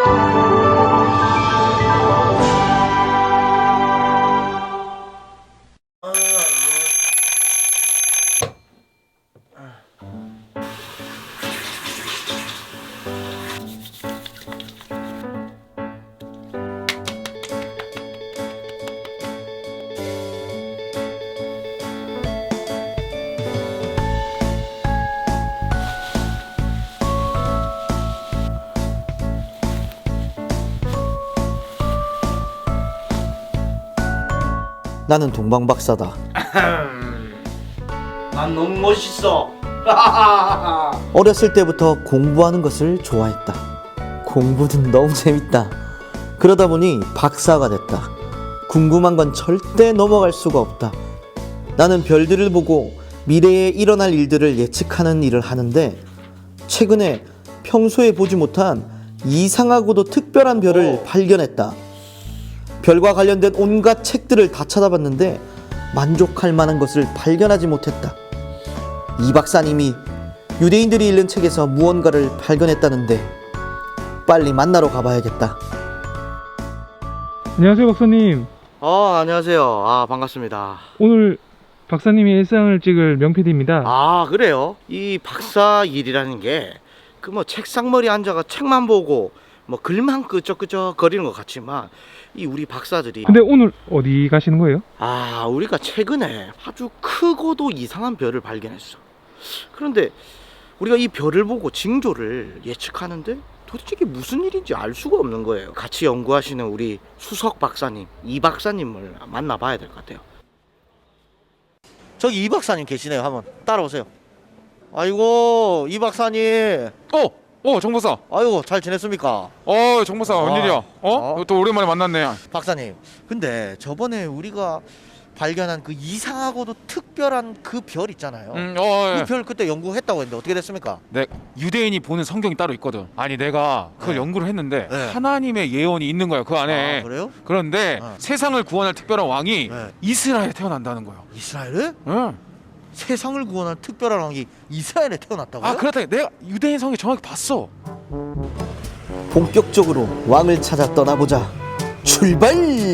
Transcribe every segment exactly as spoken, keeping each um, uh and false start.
나는 동방박사다. 난 너무 멋있어. 어렸을 때부터 공부하는 것을 좋아했다. 공부는 너무 재밌다. 그러다 보니 박사가 됐다. 궁금한 건 절대 넘어갈 수가 없다. 나는 별들을 보고 미래에 일어날 일들을 예측하는 일을 하는데, 최근에 평소에 보지 못한 이상하고도 특별한 별을 발견했다. 별과 관련된 온갖 책들을 다 찾아봤는데 만족할 만한 것을 발견하지 못했다. 이 박사님이 유대인들이 읽는 책에서 무언가를 발견했다는데 빨리 만나러 가봐야겠다. 안녕하세요, 박사님. 어, 안녕하세요. 아, 반갑습니다. 오늘 박사님이 일상을 찍을 명피디입니다. 아, 그래요? 이 박사 일이라는 게 그 뭐 책상머리 앉아가 책만 보고 뭐 글만 끄적끄적 거리는 것 같지만, 이 우리 박사들이 근데 오늘 어디 가시는 거예요? 아, 우리가 최근에 아주 크고도 이상한 별을 발견했어. 그런데 우리가 이 별을 보고 징조를 예측하는데 도대체 이게 무슨 일인지 알 수가 없는 거예요. 같이 연구하시는 우리 수석 박사님, 이 박사님을 만나봐야 될 것 같아요. 저기 이 박사님 계시네요. 한번 따라오세요. 아이고, 이 박사님. 어! 어, 정보사. 아이고, 잘 지냈습니까? 어, 정보사, 아, 웬일이야? 어? 어? 또 오랜만에 만났네. 박사님, 근데 저번에 우리가 발견한 그 이상하고도 특별한 그 별 있잖아요. 음, 어, 그 예. 별 그때 연구했다고 했는데 어떻게 됐습니까? 네, 유대인이 보는 성경이 따로 있거든. 아니, 내가 그걸 네. 연구를 했는데 네. 하나님의 예언이 있는 거야, 그 안에. 아, 그래요? 그런데 어. 세상을 구원할 특별한 왕이 네. 이스라엘에 태어난다는 거야. 이스라엘에? 응. 세상을 구원한 특별한 왕이 이스라엘에 태어났다고요? 아, 그렇다. 내가 유대인 성경 정확히 봤어. 본격적으로 왕을 찾아 떠나보자. 출발!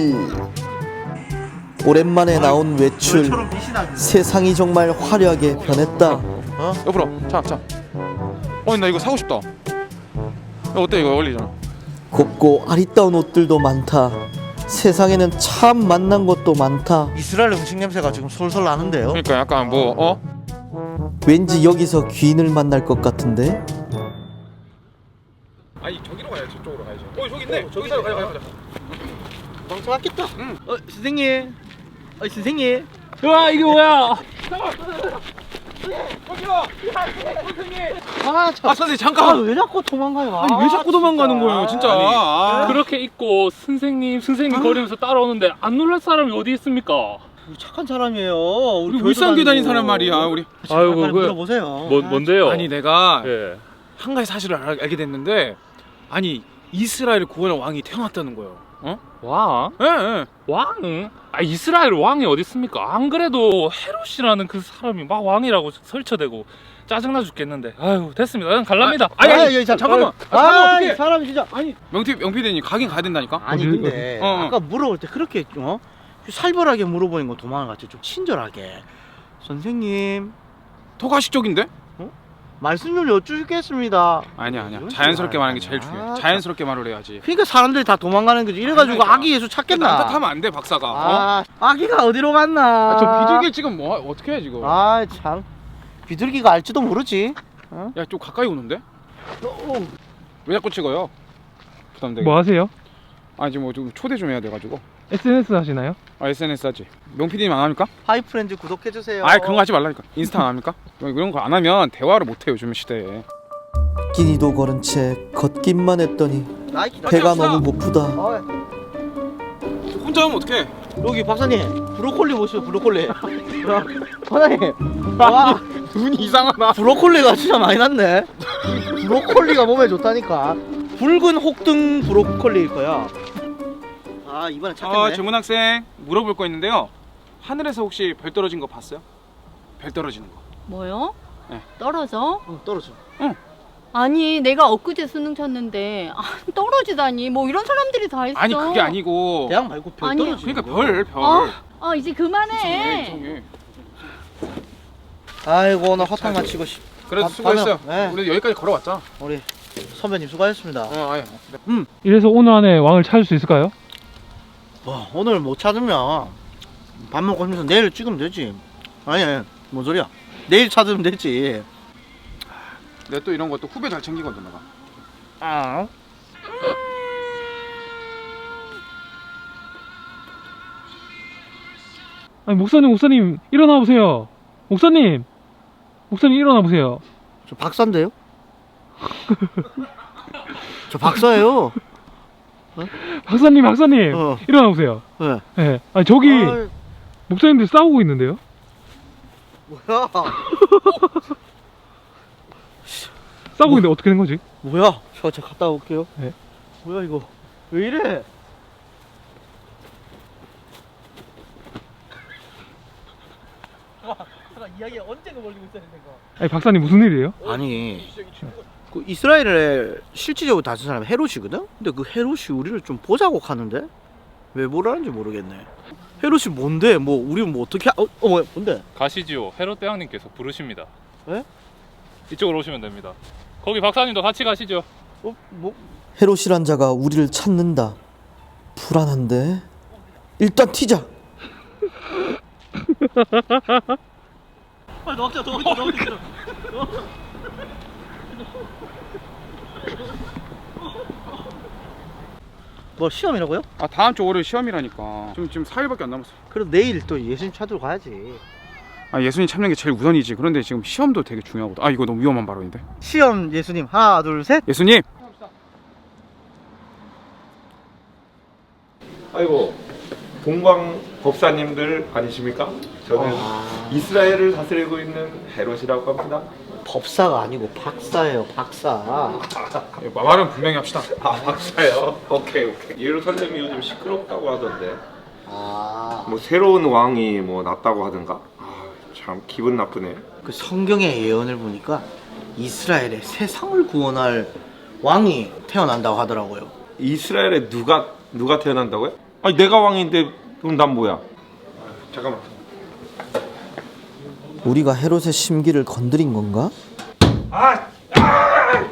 오랜만에 나온 외출. 세상이 정말 화려하게 변했다. 어? 여보라, 자, 자. 어, 나 이거 사고 싶다. 야, 어때, 이거 어울리잖아. 곱고 아리따운 옷들도 많다. 세상에는 참 만난 것도 많다. 이스라엘 음식 냄새가 지금 솔솔 나는데요? 그러니까 약간 뭐, 어? 왠지 여기서 귀인을 만날 것 같은데? 아니, 저기로 가야지, 저쪽으로 가야지. 어, 저기 있네. 저기 있어, 가자, 가자, 가자. 방청 왔겠다. 응. 어, 선생님. 어, 선생님. 와, 이게 뭐야? 아, 참. 아, 선생님, 아, 잠깐. 왜 자꾸 도망가요? 아니, 왜 자꾸 도망가는 거예요, 진짜. 아, 그렇게 입고 선생님 선생님 거리면서 따라오는데 안 놀랄 사람이 어디 있습니까? 착한 사람이에요. 우리 울산교회 다닌 사람 말이야, 우리. 아이고, 빨리 그- 물어보세요. 뭐, 뭔데요? 아니, 내가 예. 한 가지 사실을 알, 알게 됐는데, 아니, 이스라엘 구원의 왕이 태어났다는 거예요. 어? 왕? 예, 예. 왕? 아, 이스라엘 왕이 어디 있습니까? 안 그래도 헤롯이라는 그 사람이 막 왕이라고 설쳐대고 짜증나 죽겠는데. 아유, 됐습니다. 그냥 갈랍니다. 아니, 아니, 아니, 자, 잠깐만. 아, 아, 이 어떡해. 사람이 진짜. 아니, 명태, 명피디님 가긴 가야 된다니까? 아니, 어디, 근데 어디? 어, 어. 아까 물어볼 때 그렇게 어? 살벌하게 물어보는 거 도망갔지. 좀 친절하게. 선생님, 토가시 쪽인데? 말씀 좀 여쭙겠습니다. 아니야, 아니야. 이런 자연스럽게 식으로 말하는 게 제일 하잖아. 중요해. 아, 자연스럽게 말을 해야지. 그러니까 사람들이 다 도망가는 거지. 이래가지고 그러니까. 아기 예수 찾겠나? 딴짓하면 안 돼, 박사가. 어? 아, 아기가 어디로 갔나? 아, 저 비둘기 지금 뭐, 어떻게 해, 지금? 아, 참. 비둘기가 알지도 모르지. 야, 좀 가까이 오는데? 왜 자꾸 찍어요? 부담되게. 뭐 하세요? 아, 지금 뭐 좀 초대 좀 해야 돼가지고. 에스엔에스 하시나요? 아, 에스엔에스 하지. 명피디님 안 합니까? 하이프렌즈 구독해주세요. 아, 그런 거 하지 말라니까. 인스타 안 합니까? 이런 거 안 하면 대화를 못 해요, 요즘 시대에. 끼니도 걸은 채 걷기만 했더니 배가 너무 고프다. 어, 혼자 하면 어떡해? 여기 박사님, 브로콜리 보시죠, 브로콜리. 야, 박사님, 와, 눈이 이상하다. 브로콜리가 진짜 많이 났네. 브로콜리가 몸에 좋다니까. 붉은 혹등 브로콜리일 거야. 아, 이번엔 찾겠네. 아, 질문 학생 물어볼 거 있는데요. 하늘에서 혹시 별 떨어진 거 봤어요? 별 떨어지는 거. 뭐요? 네. 떨어져? 응, 떨어져. 아니 내가 엊그제 수능 쳤는데 아, 떨어지다니 뭐 이런 사람들이 다 있어. 아니 그게 아니고. 대학 말고 별 아니요. 떨어지는 그러니까 거. 별 별. 어? 아 이제 이상해, 그만해. 이상해. 아이고 오늘 허탕 마치고 싶. 그래도 아, 수고했어요. 네. 우리 여기까지 걸어왔잖아. 우리 선배님 수고하셨습니다. 어, 아예. 이래서 오늘 안에 왕을 찾을 수 있을까요? 와, 오늘 못 찾으면 밥 먹고 하면서 내일 찍으면 되지. 아니, 뭔 소리야? 내일 찾으면 되지. 내가 또 이런 것도 후배 잘 챙기거든 내가. 아. 아니 목사님 목사님 일어나 보세요. 목사님 목사님 일어나 보세요. 저 박사인데요? 저 박사예요. 박사님 박사님 어. 일어나 보세요. 네. 예. 아니 저기 아이, 목사님들 싸우고 있는데요. 뭐야? 싸우고 있는데 어떻게 된 거지? 뭐야? 저, 저 갔다 올게요. 네. 뭐야 이거? 왜 이래? 와, 이야기 언제가 걸리고 있어야 되는 거? 아니 박사님 무슨 일이에요? 아니, 그 이스라엘에 실질적으로 다친 사람이 헤롯이거든? 근데 그 헤롯이 우리를 좀 보자고 하는데? 왜 뭐라는지 모르겠네. 헤롯이 뭔데? 뭐 우리 뭐 어떻게 하... 어, 어 뭐야, 뭔데? 가시지요. 헤롯 대왕님께서 부르십니다. 에? 이쪽으로 오시면 됩니다. 거기 박사님도 같이 가시죠. 어? 뭐? 헤롯이란 자가 우리를 찾는다. 불안한데? 일단 튀자. 빨리 넣자, 넣자, 넣자. 뭐 시험이라고요? 아 다음 주 월요일 시험이라니까. 지금 지금 사 일밖에 안 남았어. 그래도 내일 또 예수님 찾으러 가야지. 아 예수님 참는 게 제일 우선이지. 그런데 지금 시험도 되게 중요하거든. 아 이거 너무 위험한 발언인데. 시험 예수님 하나 둘 셋. 예수님. 아이고 동광 법사님들 아니십니까? 저는 이스라엘을 다스리고 있는 헤롯이라고 합니다. 법사가 아니고 박사예요, 박사. 말은 분명히 합시다. 아 박사요? 오케이 오케이. 예루살렘이 요즘 시끄럽다고 하던데 아, 뭐 새로운 왕이 뭐 났다고 하던가. 아, 참 기분 나쁘네. 그 성경의 예언을 보니까 이스라엘의 세상을 구원할 왕이 태어난다고 하더라고요. 이스라엘에 누가 누가 태어난다고요? 아니 내가 왕인데 그럼 난 뭐야? 잠깐만. 우리가 헤롯의 심기를 건드린 건가? 아, 아!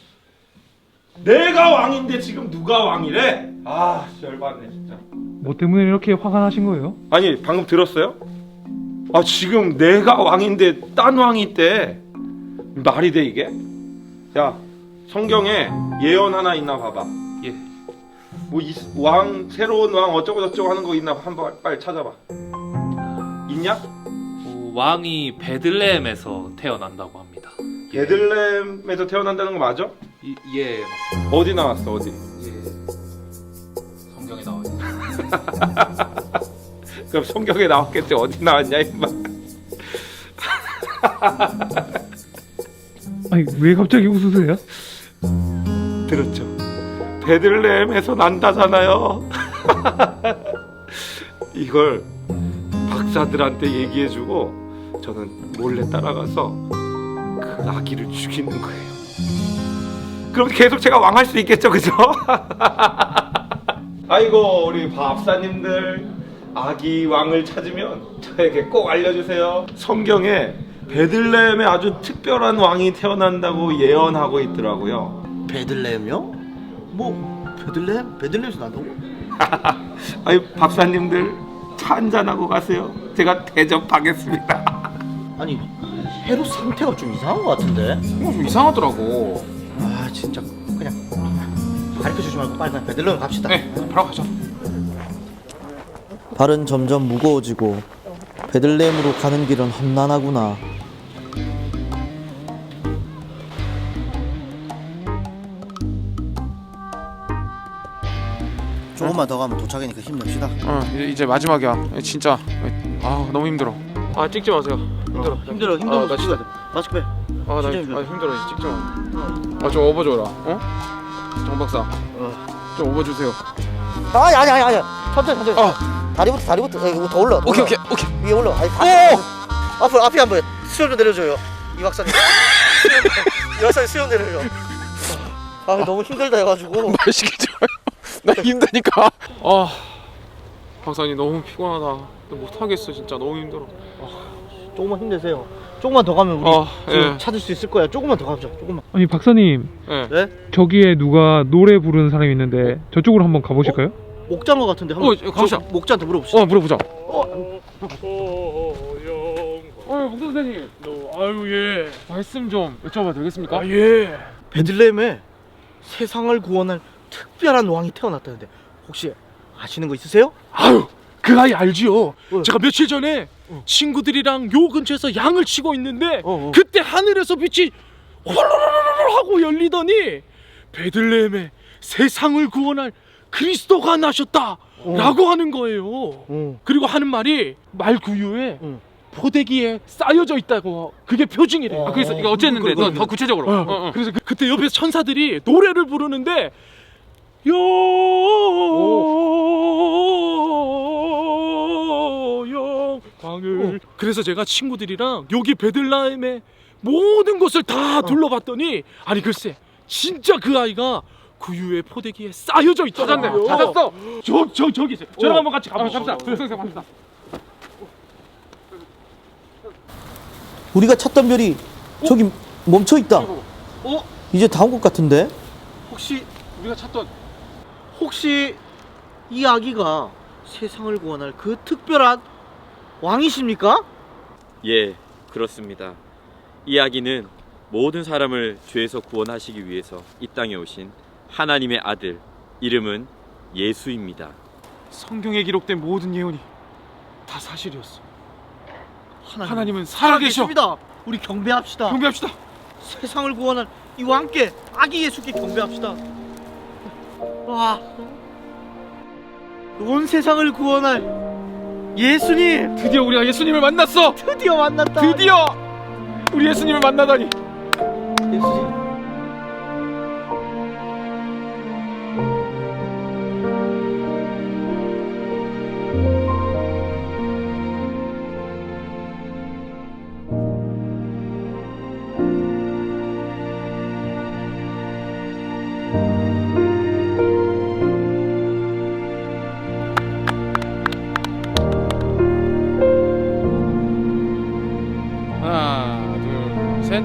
내가 왕인데 지금 누가 왕이래? 아, 열받네 진짜. 뭐 때문에 이렇게 화가 나신 거예요? 아니 방금 들었어요? 아 지금 내가 왕인데 딴 왕이 있대. 말이 돼 이게? 야 성경에 예언 하나 있나 봐봐. 예. 뭐 왕 새로운 왕 어쩌고 저쩌고 하는 거 있나 한번 빨리 찾아봐. 있냐? 어, 왕이 베들레헴에서 태어난다고 합니다. 예. 베들레헴에서 태어난다는 거 맞아? 이, 예, 맞습니다. 어디 나왔어 어디? 예. 성경에 나와 있는. 그럼 성경에 나왔겠지 어디 나왔냐 임마. 아니 왜 갑자기 웃으세요? 들었죠? 베들레헴에서 난다잖아요. 이걸 박사들한테 얘기해주고 저는 몰래 따라가서 그 아기를 죽이는 거예요. 그럼 계속 제가 왕할 수 있겠죠, 그죠? 아이고 우리 박사님들 아기 왕을 찾으면 저에게 꼭 알려주세요. 성경에 베들레헴에 아주 특별한 왕이 태어난다고 예언하고 있더라고요. 베들레헴요? 뭐 베들레헴? 베들레헴에서 난다고? 아이 박사님들 차 한잔하고 가세요. 제가 대접하겠습니다. 아니 헤롯 상태가 좀 이상한 것 같은데? 어, 좀 이상하더라고. 아 진짜 그냥 가르쳐 주지 말고 빨리 그냥 베들레헴 갑시다. 네, 바로 가자. 발은 점점 무거워지고 베들레헴으로 가는 길은 험난하구나. 조금만 더 가면 도착이니까 힘냅시다. 어 이제, 이제 마지막이야. 진짜. 아 너무 힘들어. 아 찍지 마세요. 힘들어. 힘들어 힘들어. 아, 나 진짜. 마스크 빼. 아 나 진짜 힘들어. 아, 힘들어. 이제 찍지 마. 아좀 업어줘라. 어? 정 박사. 어. 좀 업어주세요. 아니 아니 아니 아니. 천천히 천천히. 어. 다리부터 다리부터 이거 더 올라. 더 오케이 올라. 오케이 오케이. 위에 올라. 아니, 앞에, 앞에 앞에 한번 수염 좀 내려줘요. 이 박사님. 여기서 수영대를요. 아 너무 힘들다 해가지고. 말 시키지 마요. 나 힘드니까. 아 박사님 너무 피곤하다. 못하겠어 진짜 너무 힘들어. 조금만 힘내세요. 조금만 더 가면 우리 아, 지금 예. 찾을 수 있을 거야. 조금만 더 가보자. 조금만. 아니 박사님, 예. 네? 저기에 누가 노래 부르는 사람이 있는데 저쪽으로 한번 가보실까요? 목자인 것 같은데 한번 어, 가보자. 저 목자한테 물어봅시다. 어 물어보자. 어, 목사 선생님. 아유 예. 말씀 좀 여쭤봐도 되겠습니까? 아 예. 베들레헴에 세상을 구원할 특별한 왕이 태어났다는데 혹시 아시는 거 있으세요? 아유 그 아이 알지요. 어. 제가 며칠 전에 친구들이랑 요 근처에서 양을 치고 있는데 어, 어. 그때 하늘에서 빛이 홀로로로로 하고 열리더니 베들레헴에 세상을 구원할 그리스도가 나셨다라고 하는 거예요. 어. 그리고 하는 말이 말 구유에 응. 포대기에 쌓여져 있다고 그게 표징이래. 어. 아, 그래서 이거 어쨌는데 너 더 구체적으로. 어, 어, 어. 그래서 그, 그때 옆에서 천사들이 노래를 부르는데 영광을. 그래서 제가 친구들이랑 여기 베들레헴의 모든 곳을 다 둘러봤더니 아니 글쎄 진짜 그 아이가 구유의 포대기에 쌓여져 있더라고요. 찾았네. 찾았어. 저, 저, 저기 있어요. 저랑 어. 한번 같이 가보시죠. 갑시다. 선생님 갑시다. 우리가 찾던 별이 저기 멈춰 있다. 어? 이제 다 온 것 같은데? 혹시 우리가 찾던 혹시 이 아기가 세상을 구원할 그 특별한 왕이십니까? 예, 그렇습니다. 이 아기는 모든 사람을 죄에서 구원하시기 위해서 이 땅에 오신 하나님의 아들, 이름은 예수입니다. 성경에 기록된 모든 예언이 다 사실이었어. 하나님, 하나님은 살아계셔. 살아계십니다. 우리 경배합시다. 경배합시다. 세상을 구원할 이 왕께 아기 예수께 경배합시다. 와, 온 세상을 구원할 예수님 드디어 우리가 예수님을 만났어. 드디어 만났다. 드디어 우리 예수님을 만나다니. 예수님. 하나, 둘, 셋.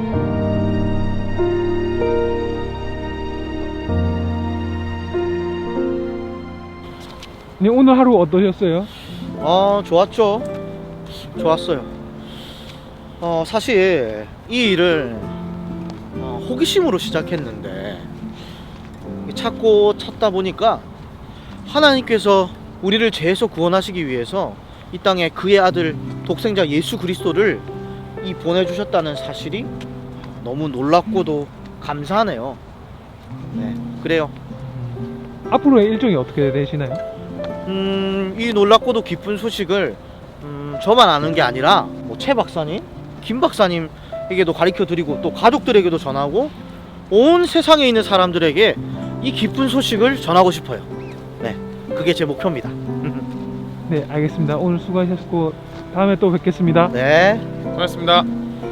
네, 오늘 하루 어떠셨어요? 어, 좋았죠. 좋았어요. 어, 사실 이 일을 어, 호기심으로 시작했는데 찾고 찾다 보니까 하나님께서 우리를 죄에서 구원하시기 위해서 이 땅에 그의 아들 독생자 예수 그리스도를 이 보내주셨다는 사실이 너무 놀랍고도 감사하네요. 네, 그래요. 앞으로의 일정이 어떻게 되시나요? 음, 이 놀랍고도 기쁜 소식을 음, 저만 아는 게 아니라 뭐 최 박사님, 김 박사님에게도 가르쳐 드리고 또 가족들에게도 전하고 온 세상에 있는 사람들에게 이 기쁜 소식을 전하고 싶어요. 네, 그게 제 목표입니다. 네, 알겠습니다. 오늘 수고하셨고 다음에 또 뵙겠습니다. 네. 고맙습니다.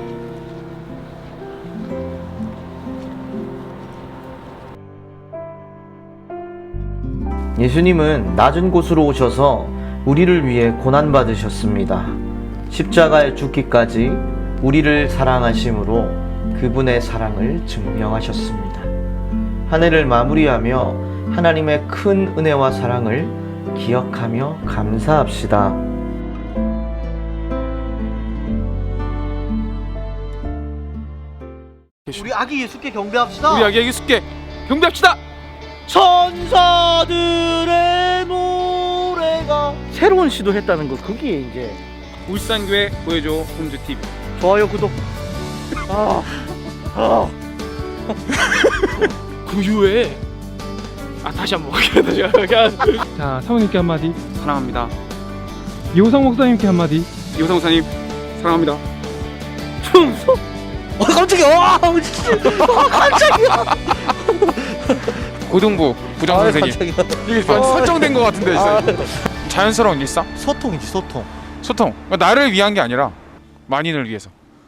예수님은 낮은 곳으로 오셔서 우리를 위해 고난받으셨습니다. 십자가에 죽기까지 우리를 사랑하심으로 그분의 사랑을 증명하셨습니다. 한 해를 마무리하며 하나님의 큰 은혜와 사랑을 기억하며 감사합시다. 우리 아기 예수께 경배합시다. 우리 아기 예수께 경배합시다. 천사들의 노래가 새로운 시도했다는 거 그게 이제 울산교회 보여줘 홈즈 티비. 좋아요 구독. 아, 아. 구유에 아 다시 한번 다시 한번 자, 사모님께 한마디, 사랑합니다. 이호상 목사님께 한마디. 이호상 목사님 사랑합니다. 충성. 어 깜짝이야. 와, 진짜. 아, 깜짝이야. 고등부 부장 아, 선생님. 깜짝이야. 이게 설정된 것 같은데 아, 진짜. 자연스러운 일상? 소통이지 소통. 소통. 나를 위한 게 아니라 만인을 위해서.